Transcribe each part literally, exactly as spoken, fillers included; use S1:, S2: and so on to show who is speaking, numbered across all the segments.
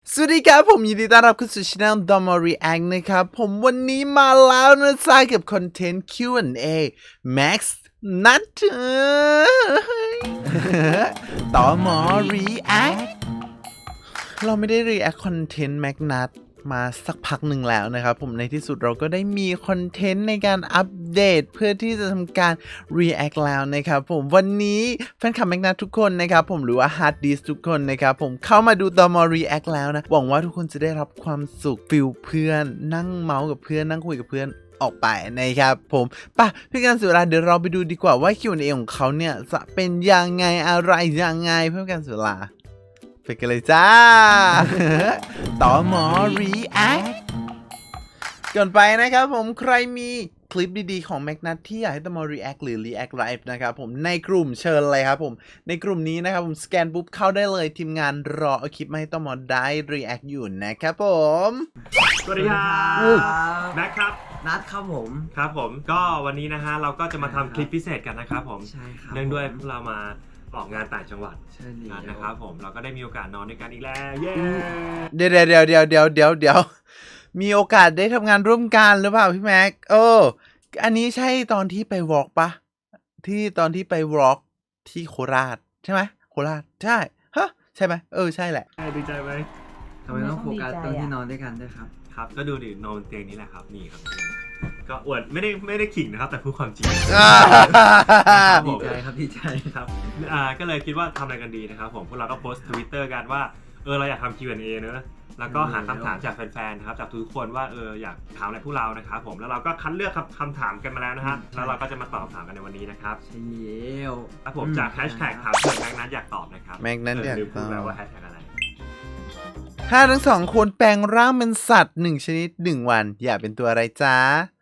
S1: สวัสดีครับผมยินดีต้อนรับเข้าสู่ช่อง Domo React นะครับผมวันนี้มาแล้วนะจ๊ะกับคอนเทนต์ คิว แอนด์ เอ Max นัดต่อหมอ React เราไม่ได้ React คอนเทนต์ Max นัดมาสักพักหนึ่งแล้วนะครับผมในที่สุดเราก็ได้มีคอนเทนต์ในการอัปเดตเพื่อที่จะทำการ React แล้วนะครับผมวันนี้แฟนคลับแม็กนัททุกคนนะครับผมหรือว่า Hard Disk ทุกคนนะครับผมเข้ามาดูตอมอ React แล้วนะหวังว่าทุกคนจะได้รับความสุขฟิลเพื่อนนั่งเมาส์กับเพื่อนนั่งคุยกับเพื่อนออกไปนะครับผมป่ะพี่การเสียเวลาเดี๋ยวเราไปดูดีกว่าว่า คิว แอนด์ เอ ของเขาเนี่ยจะเป็นยังไงอะไรยังไงเพื่อการเสียเวลาไปกันเลยจ้า ต่อหมอ React ก่อนไปนะครับผมใครมีคลิปดีๆของแม็กนัทที่อยากให้ต่อหมอ React หรือ React Live นะครับผมในกลุ่มเชิญเลยครับผมในกลุ่มนี้นะครับผมสแกนปุ๊บเข้าได้เลยทีมงานรอเอาคลิปมาให้ต่อหมอได้ React อยู่นะครับผม
S2: สวัสดีครับแม็กครับ
S3: นัดครับผม
S2: ครับผมก็วันนี้นะฮะเราก็จะมาทำคลิปพิเศษกันนะครับผม
S3: ใช่ครับ
S2: เนื่องด้วยพวกเรามาออกงานต่างจังหวัด
S3: ใช่เลย
S2: นะครับผมเราก็ได้มีโอกาสนอนด้วยกันอีกแล้วเย้
S1: เดี๋ยวเดี๋ยวเดี๋ยวเดี๋ยวเดี๋ยวเดี๋ยวมีโอกาสได้ทำงานร่วมกันหรือเปล่าพี่แม็กเอออันนี้ใช่ตอนที่ไปวอล์กปะที่ตอนที่ไปวอล์กที่โคราชใช่ไหมโคราชใช่ฮะใช่ไหมเออใช่แหละ
S2: ดีใจไหม
S3: ทำไมต้องโฟกัสตอนที่นอนด้วยกันด้วยครับ
S2: ครับก็ดูดินอนเตียงนี้แหละครับนี่ครับก็อวดไม่ได้ไม่ได้ขิงนะครับแต่พูดความจริง
S3: ดีใจครับดีใจ
S2: ครับอ่าก็เลยคิดว่าทำอะไรกันดีนะครับผมพวกเราก็โพสต์ทวิตเตอร์กันว่าเออเราอยากทำ คิว แอนด์ เอ เนอะแล้วก็หาคำถามจากแฟนๆนะครับจากทุกคนว่าเอออยากถามอะไรพวกเรานะครับผมแล้วเราก็คัดเลือกคำถามกันมาแล้วนะครับแล้วเราก็จะมาตอบถามกันในวันนี้นะครับ
S3: ใช่แล้ว
S2: ครับผมจากแฮชแท็กถามเพื่อนแม็กนัทอยากตอบนะครับ
S1: แม็กนัทอยากตอบ
S2: แล้วว่าแฮชแท็กอะไร
S1: ถ้าทั้งสองคนแปลงร่างเป็นสัตว์หนึ่งชนิดหนึ่งวันอยากเป็นตัวอะไรจ้า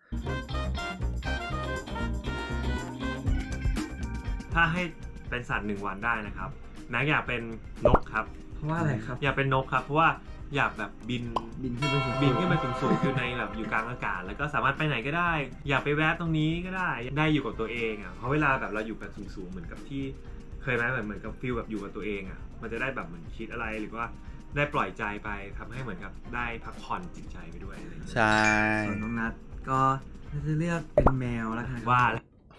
S2: ถ้าให้เป็นสัตว์หนึ่งวันได้นะครับแม็กอยากเป็นนกครับ
S3: เพราะว่าอะไรครับ
S2: อยากเป็นนกครับเพราะว่าอยากแบบบิน
S3: บินขึ้นไปสูง
S2: บินขึ้นไปสูงๆอยู่ในแบบอยู่กลางอากาศแล้วก็สามารถไปไหนก็ได้อยากไปแวะตรงนี้ก็ได้ได้อยู่กับตัวเองอ่ะเพราะเวลาแบบเราอยู่กันสูงๆเหมือนกับที่เคยไหมเหมือนเหมือนกับฟีลแบบอยู่กับตัวเองอ่ะมันจะได้แบบเหมือนคิดอะไรหรือว่าได้ปล่อยใจไปทำให้เหมือนกับได้พักผ่อนจิตใจไปด้วยอะไรอย่างเงี้ย
S1: ใช่
S3: ส่วนน้องนัทก็จะเลือกเป็นแมวแล้วกัน
S2: ว่า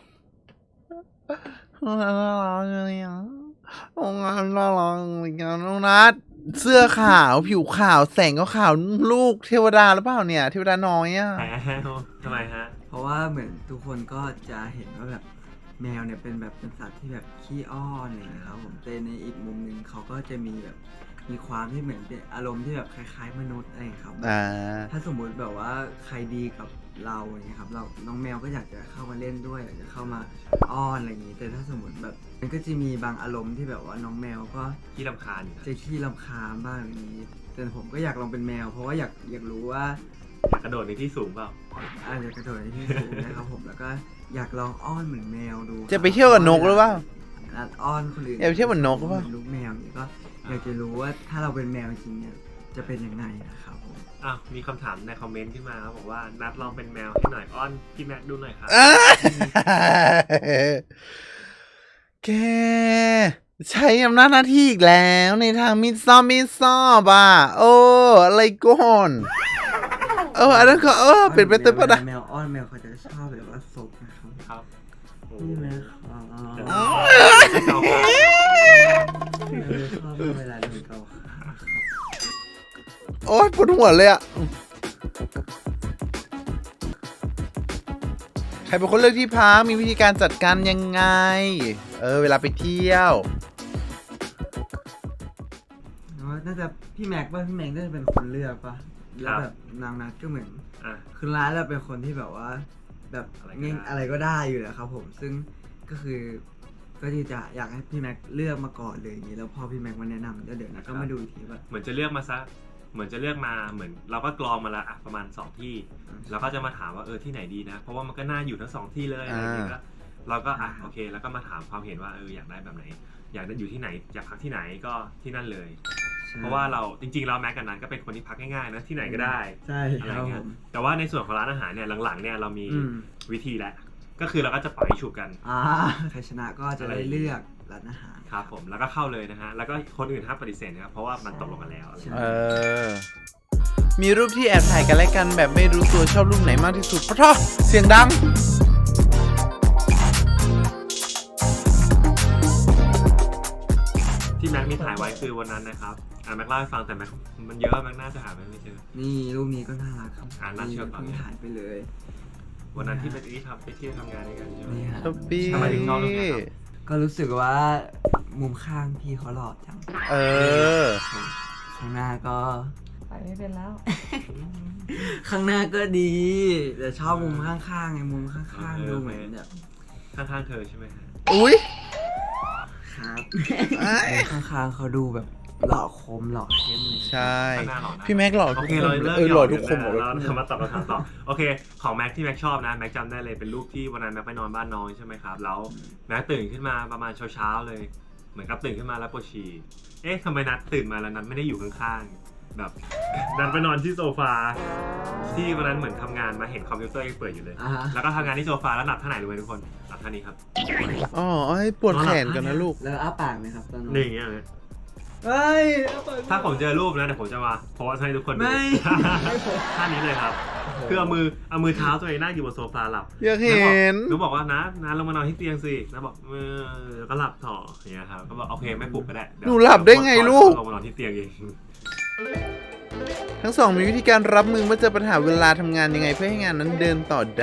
S1: น้องนัทน่ารักเลยอ่ะน้องนัทน่ารักเลยอ่ะน้องนัทเสื้อขาวผิวขาวแสงก็ขาวลูกเทวดาหรือเปล่าเนี่ยเทวดาน้อยอ่ะ
S2: ทำไมฮะ
S3: เพราะว่าเหมือนทุกคนก็จะเห็นว่าแบบแมวเนี่ยเป็นแบบเป็นสัตว์ที่แบบขี้อ้อนอะไรอย่างเงี้ยครับผมแต่ในอีกมุมหนึ่งเขาก็จะมีแบบมีความที่เหมือนเป็นอารมณ์ที่แบบคล้ายๆมนุษย์อะไรครับถ้าสมมุติแบบว่าใครดีกับเราอย่างเงี้ยครับเราน้องแมวก็อยากจะเข้ามาเล่นด้วยอยากจะเข้ามาอ้อนอะไรอย่างงี้แต่ถ้าสมมติแบบมันก็จะมีบางอารมณ์ที่แบบว่าน้องแมวก็
S2: ขี้รำคาญ
S3: จะขี้รำคาญบ้างอย่างนี้แต่ผมก็อยากลองเป็นแมวเพราะว่าอยากอยากรู้ว่า
S2: อยากกระโดดในที่สูงเปล่า
S3: อ่าอยากกระโดดในที่สูงนะครับผมแล้วก็อยากลองอ้อนเหมือนแมวดู
S1: จะไปเที่ยวกับนกหรือเปล่า
S3: อ้อนคนอื่น
S1: อยากไปเที่ยวเหมือนนกหรือเปล่า
S3: ลูกแมวนี่ก็อยากจะรู้ว่าถ้าเราเป็นแมวจริงเนี่ยจะเป็นยังไงนะครับผม
S2: อ้าวมีคำถามในคอมเมนต์ขึ้นมาครับบอกว่านัดลองเป็นแมวให้หน่อยอ้อนพี่แม็กดูหน่อยครับ
S1: แกใช้อำนาจหน้าที่อีกแล้วในทางมิดซอบมิดซอบอ่ะโอ้อะไรก่อนเอออันนั้นก็เออเป็นไปเต็มปะนะ
S3: แมวอ้อนแมวเขาจะชอบแบบว่าศพนะครับ
S2: ครับ
S3: นี่แมวชอบเวลาโดนเกา
S1: โอ๊ยปวดหัวเลยอ่ะใครเป็นคนเลือกที่พักมีวิธีการจัดการยังไงเออเวลาไปเที่ยว
S3: น่าจะพี่แม็กป่ะพี่แม็กน่าจะเป็นคนเลือกป่ะแล้วแบบนางนัดก็เหมือนคือร้านเราเป็นคนที่แบบว่าแบบเง่งอะไรก็ได้อยู่แล้วครับผมซึ่งก็คือก็ที่จะอยากให้พี่แม็กเลือกมาก่อนเลยอย่างนี้แล้วพอพี่แม็กมาแนะนำแล้วเดี๋ยวนะก็มาดูอีกทีว่า
S2: เหมือนจะเลือกมาซะเหมือนจะเลือกมาเหมือนเราก็กรองมาละอ่ะประมาณสองที่แล้วก็จะมาถามว่าเออที่ไหนดีนะเพราะว่ามันก็น่าอยู่ทั้งสองที่เลยอะไรอย่างเงี้ยเราก็อ่ะโอเคแล้วก็มาถามความเห็นว่าเอออยากได้แบบไหนอยากได้อยู่ที่ไหนอยากพักที่ไหนก็ที่นั่นเลยเพราะว่าเราจริงๆเราแม็กกันนั้นก็เป็นคนที่พักง่ายๆนะที่ไหนก็ได้
S3: ใช่
S2: อะไรเงี้ยแต่ว่าในส่วนของร้านอาหารเนี่ยหลังๆเนี่ยเรามีวิธีแล้วก็คือเราก็จะปล่อยฉุกกัน
S3: อ่าใครชนะก็จะได้เลือกร้านอาหาร
S2: ครับผมแล้วก็เข้าเลยนะฮะแล้วก็คนอื่นห้ามปฏิเสธนะครับเพราะว่ามันตกลงกันแล้วอะไรอย่าง
S1: เอ
S2: เงี้ย
S1: อ มีรูปที่แอบถ่ายกันและกันแบบไม่รู้ตัวชอบรูปไหนมากที่สุดเพราะท้อเสียงดัง
S2: ที่แม็กมีถ่ายไว้คือวันนั้นนะครับอ่าแม็กเล่าให้ฟังแต่แม็กมันเยอะแม็กน่าจะหาไม่เจอ
S3: นี่รูปนี้ก็น่ารักครับ
S2: อ่าน่าเชื่อก่อน
S3: เพิ่งถ่ายไปเลย
S2: วันนั้นที่ไปที่ทำไปเที่ยวทำงานด้วยกันใช่ไหม
S3: นี่ฮะ
S1: ทอปปี้
S2: ทำไมถึงชอบรูปนี้ครับ
S3: ก็รู้สึกว่ามุมข้างพี่เขาหล่อจัง
S1: เออ
S3: ข้างหน้าก็
S4: ไปไม่เป็นแล้ว
S3: ข้างหน้าก็ดี แต่ชอบมุมข้างๆไงมุมข้างๆดูเหมือนแบบ
S2: ข้างๆเธอใช่ไหมฮะ
S1: อุ้ย
S3: ครับ
S1: ไอ้
S3: ข้างๆเขาดูแบบหล่อคมหล่อเข้มเลย
S1: ใช่
S2: ข้างหน้าหล่อนะ
S1: พี่แม็กหล่อ
S2: โอ
S1: ทุก
S2: เค
S1: คน
S2: เราเลิก
S1: เออหล่อทุกคนหมดเลย
S2: เราจะมาตอบคำถามต่อโอเคของแม็กที่แม็กชอบนะแม็กจำได้เลยเป็นรูปที่วันนั้นแม็กไปนอนบ้านน้องใช่ไหมครับแล้วแม็กตื่นขึ้นมาประมาณเช้าๆเลยเหมือนกับตื่นขึ้นมาแล้วปวดฉี่เอ๊ะทำไมนัดตื่นมาแล้วนัดไม่ได้อยู่ข้างๆแบบนัดไปนอนที่โซฟาที่วันนั้นเหมือนทำงานมาเห็นคอมพิวเตอร์ยังเปิดอยู่เลย
S3: อ่าฮะ
S2: แล้วก็ทำงานที่โซฟาแล้วหลับท่าไหนรู้ไหมทุกคนหลับท่านี้ครับ
S1: อ๋อให้ปวดแขนกันนะลูก
S3: แล้วอ้าปากไหมครับตอนนั้น
S2: นี่อย่างเงี้ยเลย
S3: เฮ้ยอ้ปก
S2: ถ้าผมเจอรูปนะเดี๋ยวผมจะมาโพสต์ให้ทุกคนดู
S3: ไม่
S2: ท่านี้เลยครับคือเอามือเอามือเท้าตัวเองนั่งอยู่บนโซฟาหลับ
S1: อยากเห็น
S2: หนูบอกว่านะนะลงมานอนที่เตียงสินะบอกเออก็หลับต่ออย่างเงี้ยครับก็บอกโอเคไม่ปลุกก็ได้เยว
S1: หนูหลับได้ไงลูก
S2: ลงมานอนที่เตียงเอง
S1: ทั้งสองมีวิธีการรับมือเมื่อเจอปัญหาเวลาทำงานยังไงเพื่อให้งานนั้นเดินต่อได้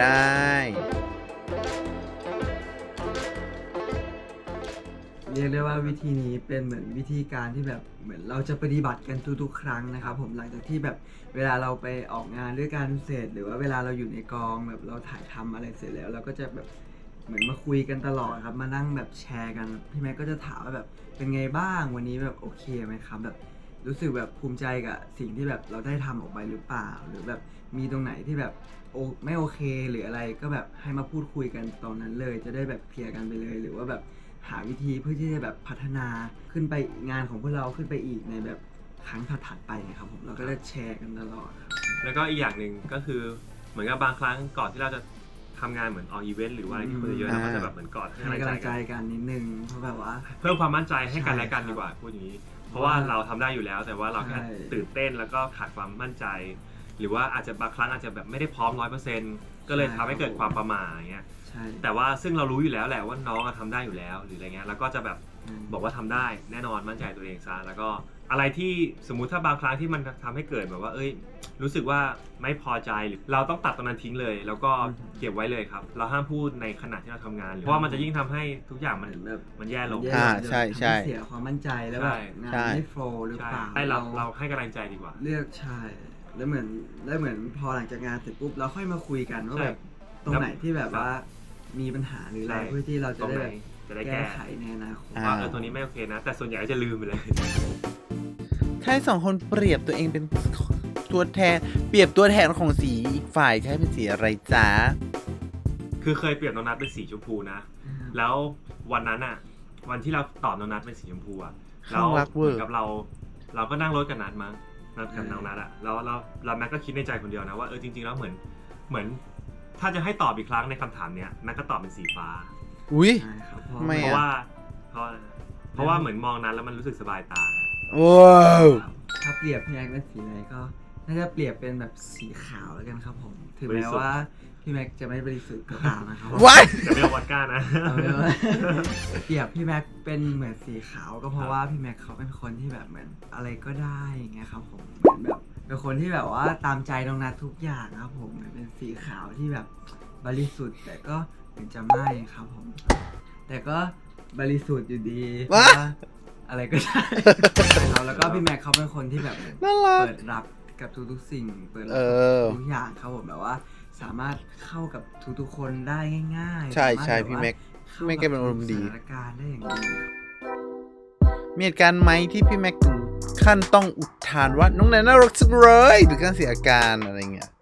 S3: เรียกได้ว่าวิธีนี้เป็นเหมือนวิธีการที่แบบเหมือนเราจะปฏิบัติกันทุกๆครั้งนะครับผมหลังจากที่แบบเวลาเราไปออกงานด้วยกันเสร็จหรือว่าเวลาเราอยู่ในกองแบบเราถ่ายทำอะไรเสร็จแล้วเราก็จะแบบเหมือนมาคุยกันตลอดครับมานั่งแบบแชร์กันพี่แม็กก็จะถามว่าแบบเป็นไงบ้างวันนี้แบบโอเคไหมครับแบบรู้สึกแบบภูมิใจกับสิ่งที่แบบเราได้ทำออกไปหรือเปล่า หรือแบบมีตรงไหนที่แบบโอไม่โอเคหรืออะไรก็แบบให้มาพูดคุยกันตอนนั้นเลย จะได้แบบเคลียร์กันไปเลยหรือว่าแบบหาวิธีเพื่อที่จะแบบพัฒนาขึ้นไปงานของพวกเราขึ้นไปอีกในแบบครั้งถัดๆไปครับผมเราก็จะแชร์กันตลอดครับ
S2: แล้วก็อีกอย่างหนึ่งก็คือเหมือนกับบางครั้งก่อนที่เราจะทำงานเหมือนออกอีเวนต์หรือว่าอะไรที่คนเยอะๆเราก็จะแบบเหมือนกอดให้
S3: ให้
S2: กำลัง
S3: กำลัง
S2: ใจ
S3: ใจ
S2: กัน
S3: กันนิดนึงเพราะแบบว่า
S2: เพิ่มความมั่นใจให้กันและกัน
S3: ใช่
S2: ดีกว่าพูดอย่างนี้ เพราะว่าเราทำได้อยู่แล้วแต่ว่าเราแค่
S3: ใช่
S2: ตื่นเต้นแล้วก็ขาดความมั่นใจ หรือว่าอาจจะบางครั้งอาจจะแบบไม่ได้พร้อมร้อยเปอร์เซ็นต์ก็เลยทำให้เกิดความประมาทอย่างเงี้ย
S3: ใช่
S2: แต่ว่าซึ่งเรารู้อยู่แล้วแหละว่าน้องอะทำได้อยู่แล้วหรืออะไรเงี้ยแล้วก็จะแบบบอกว่าทำได้แน่นอนมั่นใจตัวเองซะแล้วก็อะไรที่สมมุติถ้าบางครั้งที่มันทำให้เกิดแบบว่า เอ้ย รู้สึกว่าไม่พอใจหรือเราต้องตัดตรงนั้นทิ้งเลย แล้วก็เก็บไว้เลยครับ เราห้ามพูดในขณะที่เราทำงานหรือเพราะว่ามันจะยิ่งทำให้ทุกอย่างมัน
S3: เหมือนแบบ
S2: มันแย่ลง
S3: แย่
S1: อ่า
S3: จะ
S1: ใช่ใช่
S3: ทำห้เสียความมั่นใจแล้วแบบงาน
S1: ใช่
S3: ไม่โฟล์หรือ
S2: ใช่
S3: เปล่า
S2: ให้เราเราให้กำลังใจดีกว่า
S3: เลือกใช่แล้วเหมือนแล้วเหมือนพอหลังจากงานเสร็จปุ๊บเราค่อยมาคุยกันว่าแบบตรงไหนที่แบบว่ามีปัญหาหรืออะไร
S2: ใช่
S3: เพื่อที่เรา
S2: ต
S3: จะ
S2: รง
S3: ได้
S2: ไหน
S3: แบบ
S2: จะได้
S3: แก้
S2: แก้
S3: ไขในอนาคต
S1: อ่า
S2: ว่าเออตัวนี้ไม่โอเคนะ แต่ส่วนใหญ่ก็จะลืมไปเลย
S1: ถ้าให้สองคนเปรียบตัวเองเป็นตัวแทน เปรียบตัวแทนของสีอีกฝ่ายจะให้เป็นสีอะไรจ๊ะ
S2: คือเคยเปรียบน้องนัทเป็นสีชมพูนะ แล้ววันนั้นอ่ะ วันที่เราตอบน้องนัทเป็นสีชมพูอ่ะ
S1: ข้างรักเวอร์
S2: หมือนกับเรา เราก็นั่งรถกับนัทมั้งนัดกับน้องนัทอ่ะแล้วเราเราแม็กก็คิดในใจคนเดียวนะว่าเออจริงๆแล้วเหมือนเหมือน ถ้าจะให้ตอบอีกครั้งในคำถามเนี้ยแม็กก็ตอบเป็นสีฟ้า
S1: อุ้ย
S3: ใช่ครับเพราะ
S1: ทำไม
S2: เพ
S1: อะ
S2: ราะว่าเพราะเพราะว่าเหมือนมองนั้นแล้วมันรู้สึกสบายตา
S1: ว้าว
S3: ถ้าเปรียบพี่แม็กเป็นสีอะไรก็น่าจะเปรียบเป็นแบบสีขาวแล้วกันครับผมถึง
S2: บริ
S3: แม้
S2: สุทธิ์
S3: ว่าพี่แม็กจะไม่บริสุทธิ์ก็ตามนะครับ
S1: ว้าย
S2: แต่ไม่เอาวอดก้านะ
S3: เอาเป็นว่า เปรียบพี่แม็กเป็นเหมือนสีขาวก็เพราะว่าพี่แม็กเขาเป็นคนที่แบบเหมือนอะไรก็ได้อย่างเงี้ยครับผมเหมือนแบบเป็นคนที่แบบว่าตามใจน้องนัททุกอย่างครับผมเหมือนเป็นสีขาวที่แบบบริสุทธิ์แต่ก็ถึงจะไม่ครับผม แต่ก็บริสุทธิ์อยู่ดีเพราะว่าอะไรก็ได้ ครับแล้วก็พี่แม็กเขาเป็นคนที่แบบ
S1: น่ารัก
S3: เปิดรับกับทุกๆสิ่งเปิดรับ
S1: เออ
S3: ทุกอย่างครับผมแบบว่า สามารถเข้ากับทุกๆคนได้ง่ายๆ
S1: ใช่
S3: สามารถ
S1: ใช่
S3: แบบ
S1: พี่
S3: ว่า
S1: แม็ก
S3: ข้า
S1: พี่แม็กแกเป็นอารมณ์ดี
S3: สถานการณ์ได้อย่างดี
S1: มีเหตุการณ์ไหมที่พี่แม็กถึงขั้นต้องอุทานว่าน้องแนนน่ารักจังเลยหรือการเสียอาการอะไรเงี้ย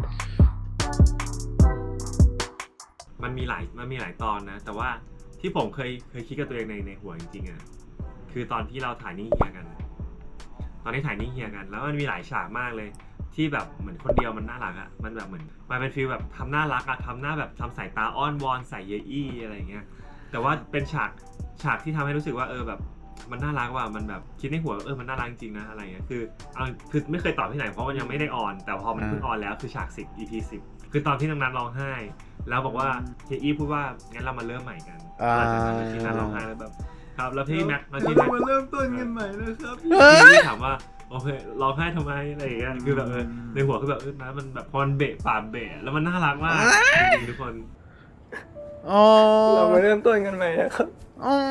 S2: มันมีหลายมันมีหลายตอนนะ แต่ว่าที่ผมเคยเคยคิดกับตัวเองในในหัวจริงๆอ่ะคือตอนที่เราถ่ายนิ่งเฮียกัน ตอนที่ถ่ายนิ่งเฮียกัน แล้วมันมีหลายฉากมากเลย ที่แบบเหมือนคนเดียวมันน่ารักอ่ะมันแบบเหมือนมันเป็นฟีลแบบทำน่ารักอ่ะทำหน้าแบบทำสายตาอ้อนวอนใส่เยอี้อะไรเงี้ยแต่ว่าเป็นฉากฉากที่ทำให้รู้สึกว่าเออแบบมันน่ารักว่ะมันแบบคิดในหัวเออมันน่ารักจริงนะอะไรเงี้ยคือเอาคือไม่เคยตอบที่ไหนเพราะมันยังไม่ได้ออนแต่พอมันเพิ่งออนแล้วคือฉากสิบ อี พี สิบคือตอนที่น้องนัทร้องไห้แล้วบอกว่าเฮียอี้พูดว่างั้นเรามาเริ่มใหม่กันหลังจากนั้นที่นัทร้องไห้แล้วแบบครับแล้วพี่แม็กแล้วพี่แม็ก
S3: มาเริ่มต้นกันใหม่นะครับ
S2: พี่ถามว่าโอเคร้องไห้ทำไมอะไรอย่างเงี้ยคือแบบเออในหัวคือแบบเออนะมันแบบพอมันเบะปากเบะแล้วมันน่ารักมากจริงๆทุกคน
S1: อ๋อ
S4: เรามาเริ่มต้นกันใหม่นะครับ
S1: อ๋อ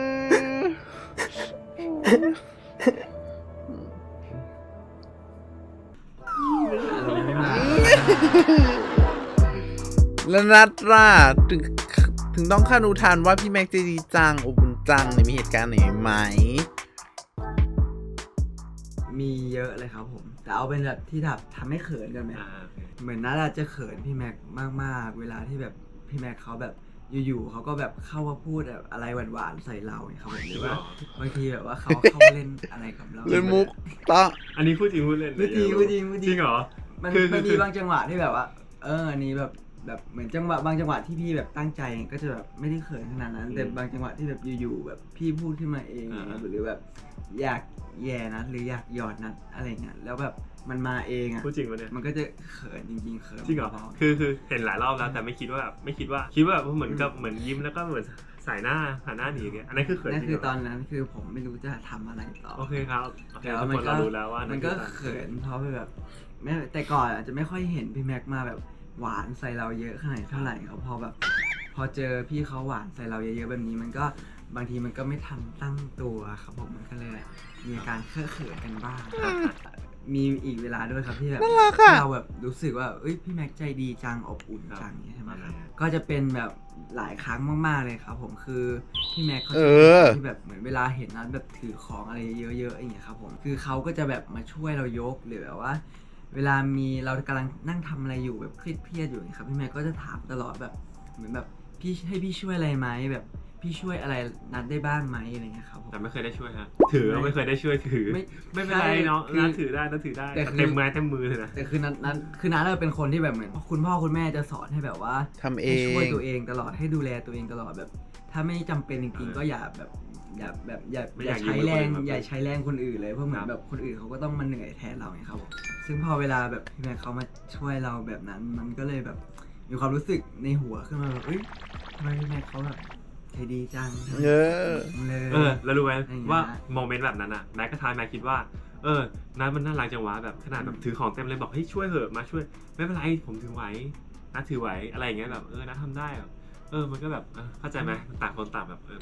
S1: แล้วนัดล่ะถึงถึงต้องคาดอุทานว่าพี่แม็กใจดีจังอบอุ่นจังในมีเหตุการณ์ไหนไหม
S3: มีเยอะเลยครับผมแต่เอาเป็นแบบที่แบบทำให้เขินกันไหม
S2: อ่าโอเค
S3: เหมือนน่าจะเขินพี่แม็กมากๆเวลาที่แบบพี่แม็กเขาแบบอยู่ๆเขาก็แบบเข้ามาพูดแบบอะไรหวานๆใส่เราเนี่ยครับผมหรือว่าบางทีแบบว่าเขาเข้ามาเล่นอะไรกับเรา
S1: เล่นมุกตะ
S2: อันนี้พูดจริงพูดเล่น
S3: พูดจริงพูดจริงพูดจ
S2: จ
S3: ริ
S2: ริ
S3: ง
S2: งเหรอ
S3: มัน
S2: คือ
S3: มันมี
S2: คือ
S3: บางจังหวะที่แบบว่า เอออันนี้แบบแบบเหมือนจังหวะบางจังหวะที่พี่แบบตั้งใจก็จะแบบไม่ได้เขินขนาดนั้น แต่บางจังหวะที่แบบอยู่ๆแบบพี่พูดขึ้นมาเองหรือแบบอยากแย่นะหรืออยากหยอดนะอะไรเงี้ยแล้วแบบมันมาเองอ่ะ
S2: พูดจริงวะเนี่ย
S3: มันก็จะเขินจริงๆเขิน
S2: จริงเหรอ
S3: พอๆ
S2: คือคือเห็นหลายรอบแล้วแต่ไม่คิดว่าแบบไม่คิดว่าคิดว่าแบบเหมือนกับเหมือนยิ้มแล้วก็เหมือนสายหน้าหันหน้าหนีอย่างเงี้ยอันนั้นคือเขิน
S3: นั่น
S2: จริง
S3: คือ
S2: เหร
S3: ตอนนั้นคือผมไม่รู้จะทำอะไรต่อ
S2: โอเคครับโอเค
S3: แต่
S2: ทุ
S3: ว่าก มั
S2: คน น
S3: ก็
S2: เรารู้แล้วว่า
S3: มั
S2: มัน
S3: ก็เขินเพราะแบบไม่แต่ก่อนอาจจะไม่ค่อยเห็นพี่แม็กมาแบบหวานใส่เราเยอะขนาดเท่าไหร่ครับพอแบบ พอเจอพี่เขาหวานใส่เราเยอะๆแบบนี้มันก็บางทีมันก็ไม่ทันตั้งตัวครับผมมันก็เลยมีอาการเคอะเขินกันบ้างมีอีกเวลาด้วยครับที่แบบ
S1: น่ารักอะ
S3: เราแบบรู้สึกว่าเอ้ยพี่แม็กใจดีจังอบอุ่นจังเนี่ยใช่ไหมครับก็จะเป็นแบบหลายครั้งมากๆเลยครับผมคือพี่แม็กเขาจะเป็นคนที่แบบเหมือนเวลาเห็นนัดแบบถือของอะไรเยอะๆอย่างเงี้ยครับผมคือเขาก็จะแบบมาช่วยเรายกหรือแบบว่า เวลามีเรากำลังนั่งทำอะไรอยู่แบบเครียดๆอยู่ครับพี่แม็กก็จะถามตลอดแบบเหมือนแบบพี่ให้พี่ช่วยอะไรไหมแบบพี่ช่วยอะไรนัดได้บ้างไหมอะไรเงี้ยครับผม
S2: แต่ไม่เคยได้ช่วยฮะถือไม่เคยได้ช่วยถือ
S3: ไม่
S2: ไม่เป็นไร
S3: ใช่
S2: เนาะ
S3: คือ
S2: นัดถือได้นัดถือได้
S3: แต่คือ
S2: เต็มไม้เต็มมือเลยนะ
S3: แต่คือนัดนัดคือนัดเราเป็นคนที่แบบเหมือนคุณพ่อคุณแม่จะสอนให้แบบว่า
S1: ทำเอ
S3: ให้ช่วย
S1: ง
S3: ตัวเองตลอดให้ดูแลตัวเองตลอดแบบ ถ้าไม่จำเป็นจริงๆก็อย่าแบบอย่าแบบอย่า
S2: ไม่
S3: อ
S2: อยา
S3: ย่าก ใช้แรง
S2: ยืมมือคนอื่นมา
S3: อย่าใช้แรงคนอื่นเลยเพราะเหมือ
S2: ครั
S3: น
S2: บ
S3: แบบคนอื่นเขาก็ต้องมาเหนื่อยแทนเราไงครับผมซึ่งพอเวลาแบบพี่แม็กเขามาช่วยเราแบบนั้น มันก็เลยแบบมีความรู้สึกในหัวขึ้นมาแบบเอ้ยทำไมพี่แม็กเขาแบบใจดีจัง
S1: เออ
S3: เลย
S2: เออแล้วรู้ไหม
S3: อะไรอย่างเงี้ย
S2: ว่าโมเมนต์แบบนั้นอ่ะแม็กก็ทายแม็กคิดว่าเออนัดมันน่ารักจังวะแบบขนาดแบบถือของเต็มเลยบอกเฮ้ยช่วยเหอะมาช่วยไม่เป็นไรผมถือไหวนัดถือไหวอะไรอย่างเงี้ยแบบเออนัดทำได้แบบเออมันก็แบบเออเข้าใจไหมต่างคนต่างแบบเออ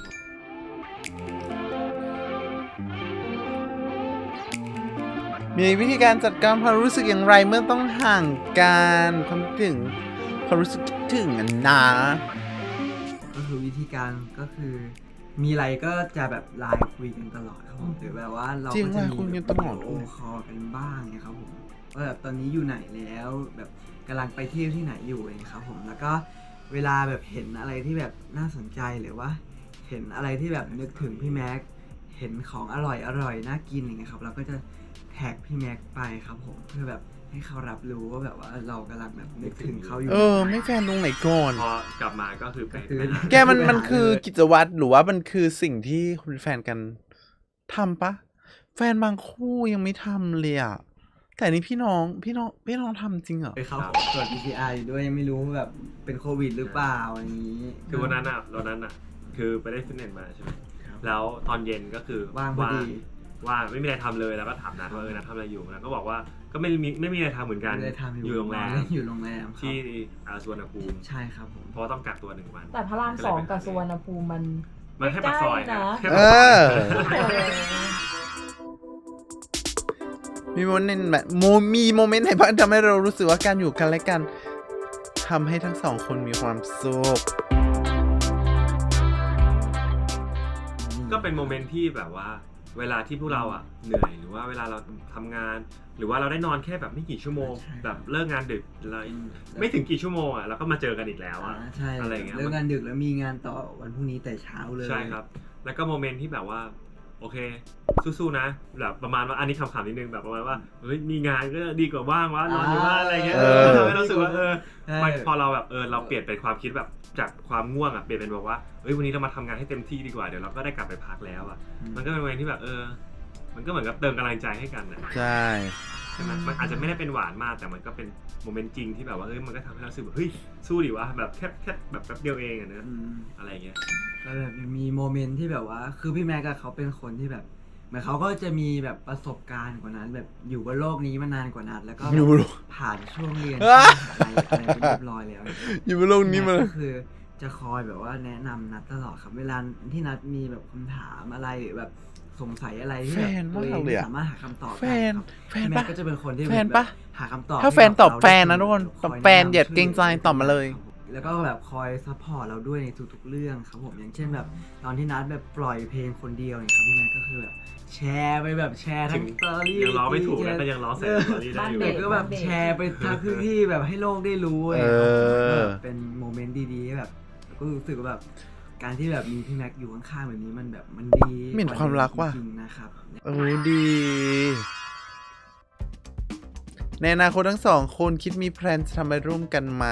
S1: มีวิธีการจัดการความรู้สึกอย่างไรเมื่อต้องห่างกันความคิดถึงความรู้สึกคิดถึงอันนะ
S3: ก็คือวิธีการก็คือ มีอะไรก็จะแบบไลน์คุยกันตลอดครับผมหรือแบบว่าเรา
S1: จริง
S3: ก็จะ
S1: ว่ะ
S3: มี
S1: คุยกันตลอด
S3: โอคอลกันบ้างนะครับผมว่าแบบตอนนี้อยู่ไหนแล้วแบบกำลังไปเที่ยวที่ไหนอยู่เองครับผมแล้วก็เวลาแบบเห็นอะไรที่แบบน่าสนใจหรือว่า เห็นอะไรที่แบบนึกถึงพี่แม็กเห็นของอร่อยอร่อยน่ากินอย่างเงี้ยครับเราก็จะแท็กพี่แม็กไปครับผมเพื่อแบบให้เขารับรู้ว่าแบบว่าเรากำลังแบบนึกถึงเขาอยู่
S1: เออ ไม่แฟนตรงไหนก่อน
S2: พอกลับมาก็คือไป
S3: คือ
S2: ไปหา
S1: แกมันมันคือกิจวัตรหรือว่ามันคือสิ่งที่คุณแฟนกันทำปะแฟนบางคู่ยังไม่ทำเลยอ่ะแต่นี่พี่น้องพี่น้องพี่น้องทำจริงเหรอ
S3: ไปเขาตรวจ พี ซี อาร์ อยู่ด้วยยังไม่รู้ว่าแบบเป็นโควิดหรือเปล่าอย่างนี้
S2: คือวันนั้นอ่ะวันนั้นอ่ะคือไปได้ฟิตเนสมาใช่ไหม
S3: ครับ
S2: แล้วตอนเย็นก็คือ
S3: ว่างพอดี
S2: ว่าไม่มีอะไรทำเลยแล้วก็ถามนัดว่าเออนัดทำอะไรอยู่นัดก็บอกว่าก็ไม่มีไม่มีอะไรทำเหมือนกัน
S3: ไม่ได้ทำ
S2: อยู่โรงแรม
S3: อยู่โรงแรมครับ
S2: ที่อาสุวรรณภูมิ
S3: ใช่ครับผม
S2: เพราะว่าต้องกักตัวหนึ่งวัน
S5: แต่พระรามสองกับสุวรรณภูมิมัน
S2: มันแค่ปากซอย
S5: ใกล้ๆนะ
S2: แค่
S1: เอ
S2: ปากซอย
S1: อ
S5: เออ
S1: มีโมเมนต์แบบโมมีโมเมนต์ไหนบ้างทำให้เรารู้สึกว่าการอยู่กันและกันทำให้ทั้งสองคนมีความสุข
S2: ก็เป็นโมเมนต์ที่แบบว่า เวลาที่พวกเราอ่ะเหนื่อยหรือว่าเวลาเราทำงาน หรือว่าเราได้นอนแค่แบบไม่กี่ชั่วโมง
S3: ใช่
S2: แบบเลิกงานดึกเรา
S3: อืม
S2: ไม่ถึงกี่ชั่วโมงอ่ะเราก็มาเจอกันอีกแล้ว
S3: อ่า
S2: อ่ะ
S3: ใช่
S2: อะไรอย่างเงี้ย
S3: เลิกงานดึกแล้วมีงานต่อวันพรุ่งนี้แต่เช้าเลย
S2: ใช่ครับ แล้วก็โมเมนต์ที่แบบว่าโอเคสู้ๆนะแบบประมาณว่าอันนี้คำๆนิดนึงแบบประมาณว่าเฮ้ยมีงานก็ดีกว่าว่างวะนอนอยู่บ้านอะไรเงี้ย
S1: เออ
S2: ทำให้เรารู้สึกว่าเออ
S3: ใช่
S2: มันพอเราแบบเออเราเปลี่ยนเป็นความคิดแบบจากความง่วงอ่ะเปลี่ยนเป็นแบบว่าเฮ้ยวันนี้เรามาทำงานให้เต็มที่ดีกว่าเดี๋ยวเราก็ได้กลับไปพักแล้วอ่ะมันก็เป็นวันที่แบบเออมันก็เหมือนกับเติมกำลังใจให้กันนะ
S1: ใช่
S2: ใช่ไหมมันอาจจะไม่ได้เป็นหวานมากแต่มันก็เป็นโมเมนต์จริงที่แบบว่าเฮ้ยมันก็ทำให้เรารู้สึกแบบเฮ้ยสู้ดิวะแบบแค่แค่แบบแป๊บเดียวเองอะเนอะ
S3: อืม
S2: อะไรเงี้ย
S3: แล้วแบบมีโมเมนต์ที่แบบว่า คือพี่แม็กอะเขาเป็นคนที่แบบเหมือนเขาก็จะมีแบบประสบการณ์กว่านั้น แบบอยู่บนโลกนี้มานานกว่านั้นแล้วก็แบบ
S1: อยู่บนโลก
S3: ผ่านช่วงเรียน
S1: อ่ะ
S3: อะไรอะไรไปเรียบร้อยแล้ว
S1: อยู่บนโลกนี้มา
S3: แก็คือจะคอยแบบว่าแนะนำนัดตลอดครับ เวลาที่นัดมีแบบคำถามอะไรหรือแบบสงสัยอะไรที่แบบ
S1: แฟน
S3: ตัวเอง
S1: มากเลย
S3: ไม่
S1: อะ
S3: สามารถหาคำตอบ
S1: แฟ
S3: ได้
S1: น
S3: ครับ
S1: แฟน
S3: พี่แม็
S1: ปะ
S3: กก็จะเป็นคนที่
S1: แฟนปะ
S3: แบบหาคำตอบ
S1: ถ้าแฟนตอบแฟนนะทุกคน
S3: คอย
S1: แฟนอย่าเกรงใจตอบมาเลย
S3: แล้วก็แบบคอยซัพพอร์ตเราด้วยในทุกๆเรื่องครับผมอย่างเช่นแบบตอนที่นัดแบบปล่อยเพลงคนเดียวเนี่ยครับพี่แม็กก็คือแบบแชร์ไปแบบแชร์ทั้ง
S2: ถึง
S3: สตอรี่
S2: ยังร้องไม่ถูกนะก็ยังร้องใส่สตอรี่ได้อยู่
S3: เด็กก็แบบแชร์ไปทั้งพื้นที่แบบให้โลกได้รู้เลย
S1: เออ
S3: ก็แบบเป็นโมเมนต์ดีๆแบบก็รู้สึกว่าแบบการที่แบบมีพี่แม็กอยู่ข้างๆแบบนี้มันแบบมันดี
S1: เหมือนความรักว่ะ
S3: จริงๆนะครับ
S1: โอ้ดี ในอนาคตทั้งสองคนคิดมีแพลนจะทำอะไรร่วมกันไหม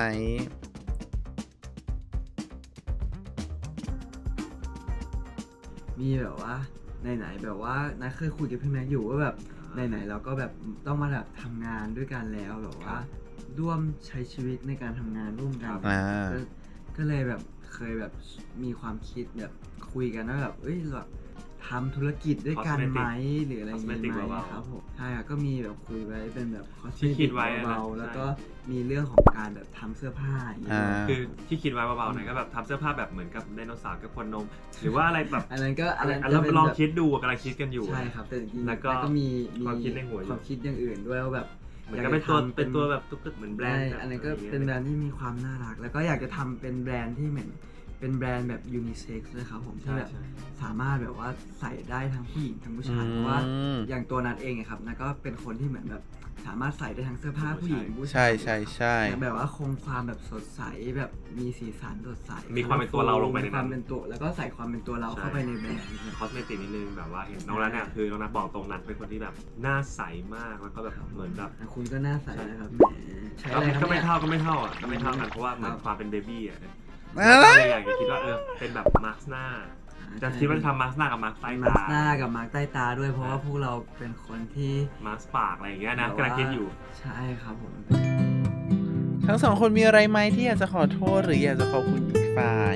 S3: มีแบบว่าไหนๆแบบว่านัทเคยคุยกับพี่แม็กอยู่ว่าแบบไหนๆเราก็แบบต้องมาแบบทำงานด้วยกันแล้วแบบว่าร่วมใช้ชีวิตในการทำงานร่วมกัน
S1: อ่า
S3: ก็ก็เลยแบบเคยแบบมีความคิดแบบคุยกันว่าแบบเอ้ยแบบทำธุรกิจด้วยกันไหมหรืออะไรอย่าง
S2: Cosmetic
S3: งี้ไหม
S2: เบาๆ
S3: ครับผมใช่ครับก็มีแบบคุยไว้เป็นแบบ
S2: ที่คิดไว้อะนะ
S3: เบาๆแล้วก็
S2: ใช่
S3: มีเรื่องของการแบบทำเสื้อผ้าอย่างเงี้ย
S1: อ่า
S2: คือที่คิดไว้เบาๆหน่อยก็แบบทำเสื้อผ้าแบบเหมือนกับไดโนเสาร์กับคนนม หรือว่าอะไรแบบ
S3: อันนั้นก็อันนั้น
S2: เรา
S3: จะเป็น
S2: ลอง
S3: แบบ
S2: คิดดูกำลังคิดกันอยู่
S3: ใช่ครับแต่จริงๆ
S2: แล้วก็
S3: ก็มีมี
S2: ความคิดในหัวอยู่
S3: ความคิดอย่างอื่นด้วยว่าแบบ
S2: เหมือนกับเป็นตัวเป็นตัวแบบตุ๊กตาเหมือนแบรนด์
S3: ใช่อันนั้นก็เป็นแบรนด์ที่มีความน่ารัก แล้วก็อยากจะทำเป็นแบรนด์ที่เหมือนเป็นแบรนด์แบบยูนิเซ็กซ์เลยครับผมที่
S2: ใช่
S3: แบบ
S2: ใช่
S3: สามารถแบบว่าใส่ได้ทั้งผู้หญิงทั้งผู้ชาย
S1: อืม
S3: เพราะว่าอย่างตัวนัทเองอะครับนัทก็เป็นคนที่เหมือนแบบสามารถใส่ได้ทั้งเสื้อผ้าผู้หญิงผู้ชาย
S1: ใช่ใช่ใช่
S3: แต่แบบว่าคงความแบบสดใสแบบมีสีสันสดใส
S2: มีความเป็นตัวเราลงไปในนั้น
S3: มีความเป็นตัวแล้วก็ใส่ความเป็นตัวเราเข้าไปในแบรนด์
S2: คอสเมติกนิดนึงแบบว่าเห็นน้องนัทเนี่ยคือน้องนัทบอกตรงนัทเป็นคนที่แบบหน้าใสมากแล้วก็แบบเหมือนแบบ
S3: คุณก็น่าใสนะครับแหมใช้
S2: ก็
S3: อะไรครับ
S2: ก็ไม่
S3: นี่ย
S2: เท่าก็ไม่เท่าอ่ะก็ไม่เท่ากันเพราะว่าเหมือน
S3: ครับ
S2: ความเป็นเบบี้อ่ะ
S1: อ่า
S2: ก็เลยอยากจะคิดว่าเออเป็นแบบมาร์คหน้าจะคิดว่าจะทำมาร์คหน้ากับมาร์คใต้
S3: มา
S2: ตา
S3: ร์คหน้ากับมาร์คใต้ตาด้วยเพราะว่าพวกเราเป็นคนที่
S2: มาร์คปากอะไรอย่างเงี้ยนะกำลังคิดอยู่
S3: ใช่ครับผม
S1: ทั้งสองคนมีอะไรไหมที่อยากจะขอโทษหรืออยากจะขอบคุณอีกฝ่าย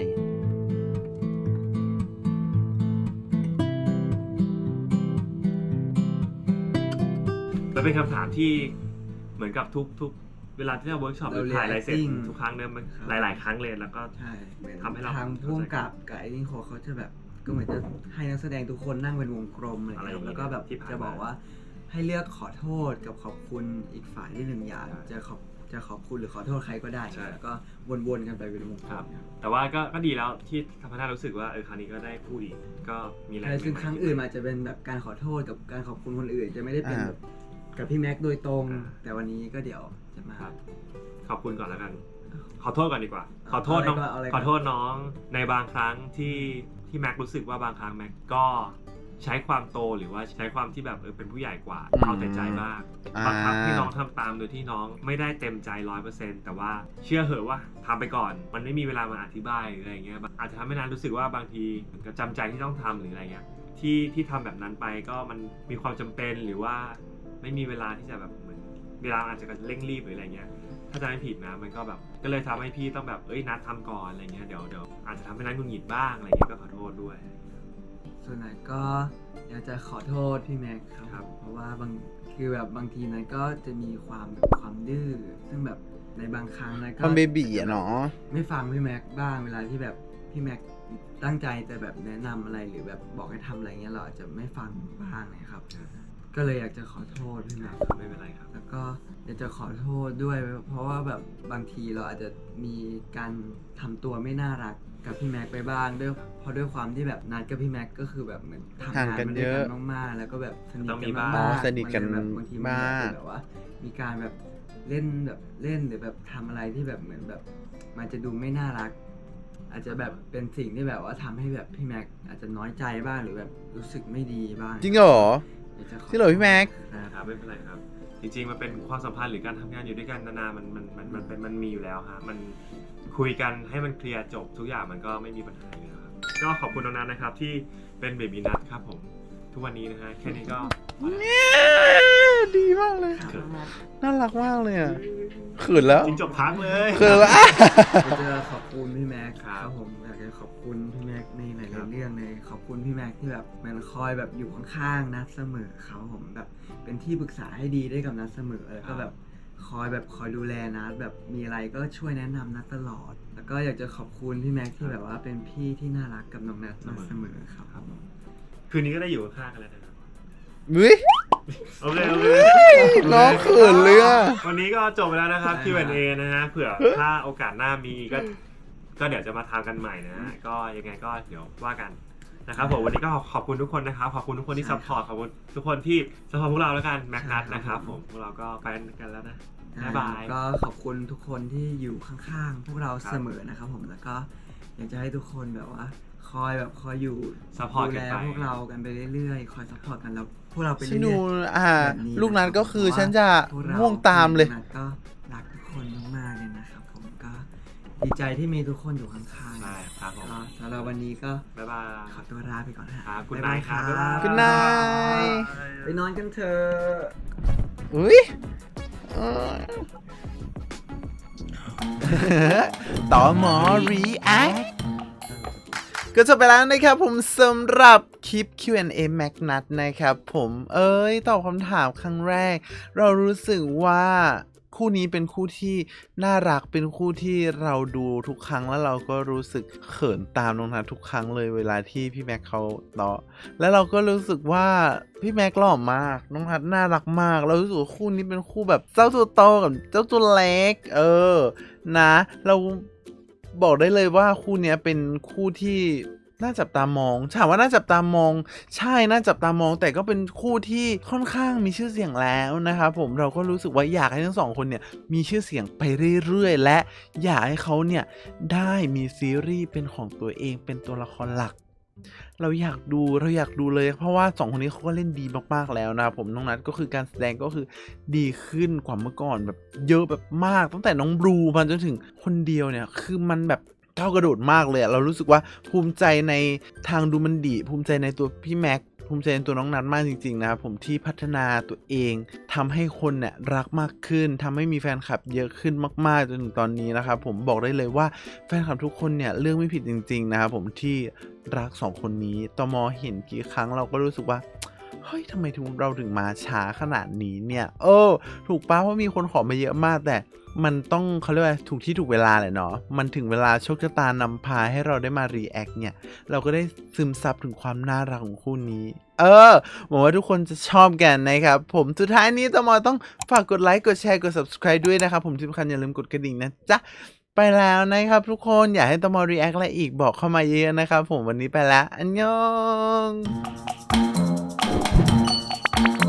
S2: มันเป็นคำถามที่เหมือนกับทุกทุกเวลาที่เราเวิร์กช็อปหรือถ่ายอะไรเสร็จ
S3: reacting
S2: ทุกครั้งเนี่ยมัน
S3: ครับ
S2: หลาย ๆ ครั้งเลยแล้วก็
S3: ใช่เหมือน
S2: ทำให้เรา
S3: ทางพ่วงกับกับไอ้นี่โคเขาจะแบบก็เหมือนจะให้นักแสดงทุกคนนั่งเป็นวงกลมอะไรอย่างเงี้ยแล้วก็แบบจะบอกว่าให้เลือกขอโทษกับขอบคุณอีกฝ่ายที่หนึ่งอย่างจะขอบจะขอบคุณหรือขอโทษใครก็ได้แล้วก็วนๆกันไปเป็นวงกลม
S2: แต่ว่าก็ก็ดีแล้วที่ทำให้เรารู้สึกว่าเออครั้งนี้ก็ได้พูดอีกก็มีอะไร
S3: ใช่ซึ่งครั้งอื่นมันอาจจะเป็นแบบการขอโทษกับการขอบคุณคนอื่น จะไม่ได้เป็นแบบกับพี่แม็กซ์โดยตรง แต่วันนี้ก็เดี๋ยวจะมา
S2: ครับขอบคุณก่อนแล้วกัน ขอโทษก่อนดีกว่า ขอโทษน้อง
S3: เอาอะไรก่อน
S2: ขอโทษน้องในบางครั้งที่ที่แม็กรู้สึกว่าบางครั้งแม็กก็ใช้ความโตหรือว่าใช้ความที่แบบเออเป็นผู้ใหญ่กว่า
S1: อืม
S2: เอาแต่ใจบ้าง
S1: อ่า
S2: บางครั้งที่น้องทำตามโดยที่น้องไม่ได้เต็มใจร้อยเปอร์เซ็นต์แต่ว่าเชื่อเหอะว่าทำไปก่อน มันไม่มีเวลามาอธิบายหรืออะไรเงี้ยอาจจะทำให้นันรู้สึกว่าบางทีเหมือนกับจำใจที่ต้องทำหรืออะไรเงี้ยที่ที่ทำแบบนั้นไปก็มันมีความจำเป็นหรือว่าไม่มีเวลาที่จะแบบเหมือนเวลาอาจจะเร่งรีบหรืออะไรเงี้ยถ้าจะไม่ผิดนะมันก็แบบก็เลยทำให้พี่ต้องแบบเอ้ยนัดทำก่อนอะไรเงี้ยเดี๋ยวเดี๋ยวอาจจะทำให้นัดหงุดหงิดบ้างอะไรเงี้ยก็ขอโทษด้วย
S3: ส่วนไหนก็อยากจะขอโทษพี่แม็กซ์ครับ
S2: ครับ
S3: เพราะว่าบางคือแบบบางทีนั้นก็จะมีความแบบความดื้อซึ่งแบบในบางครั้งนะก็
S1: ความเบบีอะเนาะ
S3: ไม่ฟังพี่แม็กซ์บ้างเวลาที่แบบพี่แม็กซ์ตั้งใจจะแบบแนะนำอะไรหรือแบบบอกให้ทำอะไรเงี้ยเราอาจจะไม่ฟังบ้างนะครับ ก็เลยอยากจะขอโทษพี่แม็กซ์
S2: ไม่เป็นไรครับ
S3: แล้วก็อยากจะขอโทษด้วย เพราะว่าแบบบางทีเราอาจจะมีการทำตัวไม่น่ารักกับพี่แม็กไปบ้างด้วยเพราะด้วยความที่แบบนัดกับพี่แม็กก็คือแบบเหมือนทำงานมาด้วยกันมากๆแล้วก็แบบสนิท
S2: ต้อง
S3: กั
S2: มี
S3: น
S2: บ้าง
S3: มากๆ
S1: สนิทกัน
S3: มัเลยแบบบางทีมันอยาก
S1: มาก
S3: จะแบบว่า มีการแบบเล่นแบบเล่นหรือแบบทำอะไรที่แบบเหมือนแบบ มันจะดูไม่น่ารักอาจจะแบบเป็นสิ่งที่แบบว่าทำให้แบบพี่แม็กอาจจะน้อยใจบ้างหรือแบบรู้สึกไม่ดีบ้าง
S1: จริงเหรอ
S3: อยากจะข
S1: จริงเหรอพี่แม็ก
S3: ครับ
S2: ครับไม่เป็นไรครับ จริงๆมันเป็นความสัมพันธ์หรือการทำงานอยู่ด้วยกันนานๆมันมันมันมันเป็นมันมีอยู่แล้วฮะมันคุยกันให้มันเคลียร์จบทุกอย่างมันก็ไม่มีปัญหาอยู่แล้วครับก็ขอบคุณน้องนัทนะครับที่เป็นเบบีนัทครับผมทุกวันนี้นะฮะแค่นี้ก็
S1: ดีมากเลย
S5: ถามมา
S1: น่ารักมากเลยอ่ะเขินแล้ว
S2: จริงจบพักเลย
S1: เขินแล้ว
S3: อยากจะขอบคุณพี่แม็ก
S2: ครับ
S3: ผมอยากจะขอบคุณพี่แม็กในหลา
S2: ครั
S3: ย
S2: บ
S3: ๆเรื่องเลยขอบคุณพี่แม็กที่แบบมันคอยแบบอยู่ข้างๆนัดเสมอเขาผมแบบเป็นที่ปรึกษาให้ดีได้กับนัดเสมอแล้วก็แบบคอยแบบคอยดูแลนัดแบบมีอะไรก็ช่วยแนะนำนัดตลอด แล้วก็อยากจะขอบคุณพี่แม็กที่แบบว่าเป็นพี่ที่น่ารักกับน้องนัดมาเสมอครับ
S2: ครับผมคืนนี้ก็ได้อยู่ข้างๆกันแล้วนะครับ
S1: เฮ้ย
S2: โอเคโอเค
S1: น้องเขินเลยอ่ะ
S2: วันนี้ก็จบไปแล้วนะครับ คิว แอนด์ เอ นะฮะเผื่อถ้าโอกาสหน้ามีก็ก็เดี๋ยวจะมาทำกันใหม่นะฮะก็ยังไงก็เดี๋ยวว่ากันนะครับผมวันนี้ก็ขอบคุณทุกคนนะครับขอบคุณทุกคนที่ซัพพอร์ตขอบคุณทุกคนที่ซัพพอร์ตพวกเราแล้วกันแม็กนัทนะครับผมพวกเราก็ไปกันแล้วนะบ๊ายบาย
S3: ก็ขอบคุณทุกคนที่อยู่ข้างๆ พวกเรา
S2: ครับ
S3: เสมอนะครับผมแล้วก็อยากจะให้ทุกคนแบบว่า คอยแบบคอยอยู่
S2: Support
S3: ดู
S2: กัน
S3: แล
S2: ไป
S3: พวกเรากันไปเรื่อยๆ คอยซัพพอร์ตกันแล้วพวกเราไป
S1: ฉัน
S3: เรื่
S1: ดู
S3: อย
S1: อ่า
S3: ๆแบบนี้
S1: ลูกนั้นก็คือ
S3: เพราะว่า
S1: ฉันจะ
S3: พวกเรา
S1: ง่วงตามเลย
S3: ลูกนัดก็รักทุกคนมากๆเลยนะครับผมก็ดีใจที่มีทุกคนอยู่ข้างๆ
S2: ใช่ครับผม
S3: ก็สำหรับวันนี้ก็
S2: บ๊ายบาย
S3: ขอตัวลาไปก่อนนะฮะ
S2: ครับ good
S3: บ๊ายบาย
S2: night ครับ
S3: ครับ
S2: บ๊ายบาย
S1: Good night
S3: ไปนอนกันเถอะ
S1: อุ้ยเอ้ย ต่อหมอ react ก็จบไปแล้วนะครับผมสำหรับคลิป คิว แอนด์ เอ Mac Nut นะครับผมเอ้ยตอบคำถามครั้งแรก เรารู้สึกว่าคู่นี้เป็นคู่ที่น่ารักเป็นคู่ที่เราดูทุกครั้งแล้วเราก็รู้สึกเขินตามน้องนัททุกครั้งเลยเวลาที่พี่แม็กเขาเนาะแล้วเราก็รู้สึกว่าพี่แม็กหล่อมากน้องนัทน่ารักมากเรารู้สึกว่าคู่นี้เป็นคู่แบบเจ้าตัวโตกับเจ้าตัวเล็กเออนะเราบอกได้เลยว่าคู่เนี้ยเป็นคู่ที่น่าจับตามองถามว่าน่าจับตามองใช่น่าจับตามองแต่ก็เป็นคู่ที่ค่อนข้างมีชื่อเสียงแล้วนะครับผมเราก็รู้สึกว่าอยากให้ทั้งสองคนเนี่ยมีชื่อเสียงไปเรื่อยๆและอยากให้เขาเนี่ยได้มีซีรีส์เป็นของตัวเองเป็นตัวละครหลัก เราอยากดูเราอยากดูเลยเพราะว่าสองคนนี้เขาก็เล่นดีมากๆแล้วนะครับผมน้องนัทก็คือการแสดงก็คือดีขึ้นกว่าเมื่อก่อนแบบเยอะแบบมากตั้งแต่น้องบลูมาจนถึงคนเดียวเนี่ยคือมันแบบก้าวกระโดดมากเลยอะเรารู้สึกว่าภูมิใจในทางดูมันดีภูมิใจในตัวพี่แม็กภูมิใจในตัวน้องนัทมากจริงๆนะครับผมที่พัฒนาตัวเองทำให้คนเนี่ยรักมากขึ้นทำให้มีแฟนคลับเยอะขึ้นมากๆจนถึงตอนนี้นะครับผมบอกได้เลยว่าแฟนคลับทุกคนเนี่ยเลือกไม่ผิดจริงๆนะครับผมที่รักสองคนนี้ตมเห็นกี่ครั้งเราก็รู้สึกว่าเฮ้ยทำไมถึงเราถึงมาช้าขนาดนี้เนี่ยเออถูกป้าเพราะมีคนขอมาเยอะมากแต่มันต้องเขาเรียกว่าถูกที่ถูกเวลาแหละเนาะมันถึงเวลาโชคชะตานำพาให้เราได้มารีแอคเนี่ยเราก็ได้ซึมซับถึงความน่ารักของคู่นี้เออหวังว่าทุกคนจะชอบกันนะครับผมสุดท้ายนี้ตมต้องฝากกดไลค์กดแชร์กด ซับสไครบ์ ด้วยนะครับผมที่สำคัญอย่าลืมกดกระดิ่งนะจ๊ะไปแล้วนะครับทุกคนอยากให้ตมรีแอคอะไรอีกบอกเข้ามาเยอะนะครับผมวันนี้ไปแล้วอันยอง